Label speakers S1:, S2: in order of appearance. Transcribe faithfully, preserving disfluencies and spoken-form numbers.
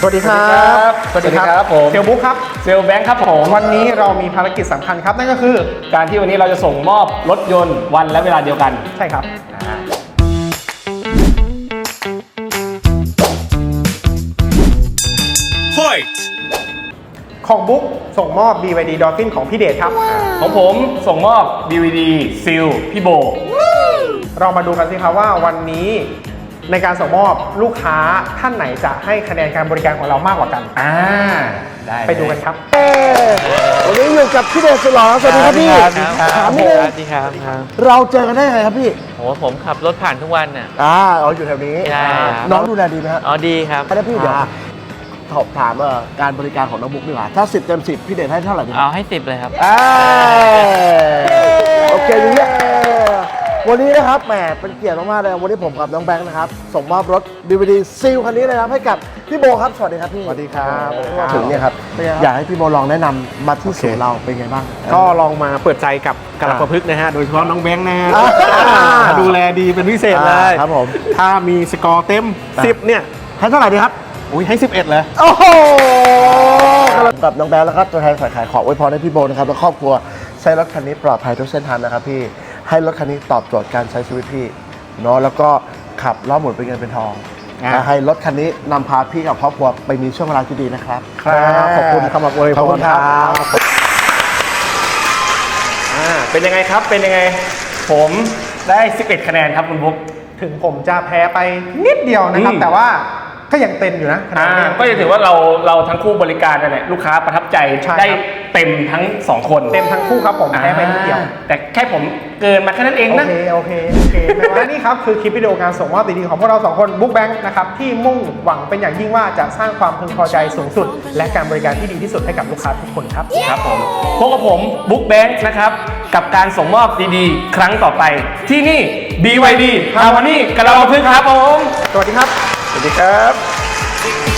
S1: สวัสดีครับ
S2: สวัสดีครับผม
S1: เซลบุ๊กครับ
S2: เซลแบงค์ครับผม
S1: วันนี้เรามีภารกิจสำคัญครับนั่นก็คือ
S2: การที่วันนี้เราจะส่งมอบรถยนต์วันและเวลาเดียวกัน
S1: ใช่ครับ ของบุ๊กส่งมอบ บี วาย ดี Dolphin ของพี่เดชครับ
S2: ของผมส่งมอบ ดี วี ดี ซิลพี่โบ
S1: เรามาดูกันสิครับว่าวันนี้ในการส่งมอบลูกค้าท่านไหนจะให้คะแนนการบริการของเรามากกว่ากัน
S2: อ่าได้
S1: ไปดูกันครับ
S3: วันนี้อยู่กับพี่เดชสุดหล่อสวัสดีครับพี่
S4: สวัสดีครับ
S3: ถามนิดนึง
S4: สวัสดีครับครับ
S3: เราเจอกันได้ยังไงครับพี่
S4: โหผมขับรถผ่านทุกวันน่ะ
S3: อ่าเราอยู่แถวนี้
S4: ใช่ครับ
S3: น้องดูแลดีไหมฮะ
S4: อ๋อดีครับ
S3: แล้วพี่เดี๋ยวสอบถามเอ่อการบริการของน้องบุ๊กดีกว่าถ้าสิบเต็มสิบพี่เดชให้เท่าไหร่ดีค
S4: เอา
S3: รับ
S4: ให้สิบเลยครับ
S3: อ่าโอเคดีเนี่ยวันนี้นะครับแหมเป็นเกียรติมากๆเลยวันนี้ผมกับน้องแบงค์นะครับส่งมอบรถ ดี วี ดี ซีลคันนี้เลยครับให้กับพี่โบครับสวัสดีครับพี่สวัสดีครับถึงเนี่ยครับอยากให้พี่โบลองแนะนำมาที่ศูนย์เราเป็นไงบ้าง
S1: ก็ลองมาเปิดใจกับกระประพฤกษ์นะฮะ โดยเฉพาะน้องแบงค์นะฮะ
S3: อ่า
S1: ดูแลดีเป็นพิเศษเลย
S3: ครับผม
S1: ถ้ามีสกอร์เต็ม สิบ เนี่ย
S3: ให้เท่าไหร่ดีครับ
S1: อุ้ยให้ สิบเอ็ด เลย
S3: โอ้โหกับน้องแบงค์แล้วก็ตัวแทนฝ่ายขายขออวยพรให้พี่โบนะครับและครอบครัวใช้รถคันนี้ปลอดภัยทุกเส้นทางนะครับพี่ให้รถคันนี้ตอบโจทย์การใช้ชีวิตพี่เนาะแล้วก็ขับล้อหมุนเป็นเงินเป็นทอง
S1: อ่า
S3: และให้รถคันนี้นำพาพี่กับครอบครัวไปมีช่วงเวลาที่ดีนะครับ
S1: ครับขอบคุณคำอวยพร
S3: ขอบคุณครับ
S2: อ่าเป็นยังไงครับเป็นยังไง ผมได้สิบเอ็ดคะแนนครับคุณบุ๊ก
S1: ถึงผมจะแพ้ไปนิดเดียวนะครับ
S2: อืม
S1: แต่ว่าก็ยังเต็มอยู่นะคะแน
S2: อ่าน
S1: เนี่ย
S2: ก็จะถือว่าเราเราทั้งคู่บริการกันเนี่ยลูกค้าประทับใจ
S1: ใช่ครับ
S2: ได้เต็มทั้งสองคน
S1: เต็มทั้งคู่ครับผมแพ้ไปนิดเดียว
S2: อ่าแต่แค่ผมเกินมาแค่นั้นเอง
S1: โอ
S2: นะ
S1: เค โอเค โอเคแต่ว่านี่ครับ คือคลิปวิดีโอการส่งมอบดีๆของพวกเราสองคนบุ๊กแบงค์นะครับ ที่มุ่งหวังเป็นอย่างยิ่งว่าจะสร้างความพึงพอใจสูงสุด และการบริการที่ดีที่สุดให้กับลูกค้าทุกคนครับ
S2: ครับผมพบกับผมบุ๊กแบงค์นะครับกับการส่งมอบดีๆ ครั้งต่อไป ที่นี่ บี วาย ดี Harmony กระลาพึกษ์ครับผม
S1: สวัสดีครับ
S2: สวัสดีครับ